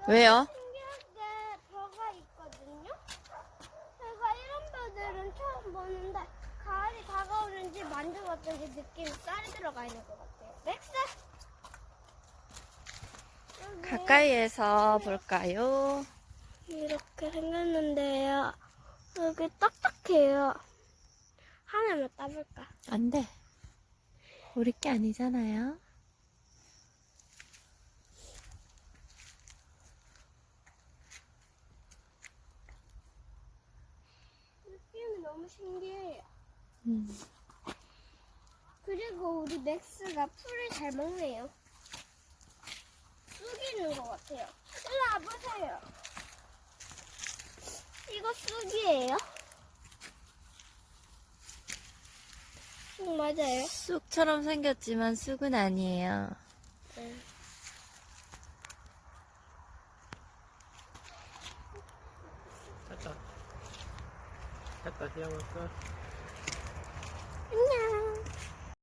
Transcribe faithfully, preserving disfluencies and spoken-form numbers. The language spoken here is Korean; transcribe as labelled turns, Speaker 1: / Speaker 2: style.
Speaker 1: 왜요?
Speaker 2: 신기하게 벼가 있거든요. 제가 이런 벼들은 처음 보는데 가을이 다가오는지 만져봤더니 느낌이 쌀이 들어가 있는 것 같아요. 맥스! 여기
Speaker 1: 가까이에서 볼까요?
Speaker 2: 이렇게 생겼는데요. 여기 딱딱해요. 하나만 따볼까?
Speaker 1: 안 돼. 우리 게 아니잖아요.
Speaker 2: 느낌이 너무 신기해요.
Speaker 1: 음.
Speaker 2: 그리고 우리 맥스가 풀을 잘 먹네요. 쑥이 있는 것 같아요. 일로 와보세요. 이거 쑥이에요? 쑥 맞아요?
Speaker 1: 쑥처럼 생겼지만 쑥은 아니에요.
Speaker 2: 네.
Speaker 3: 됐다. 됐다, 시험했어.
Speaker 2: 안녕.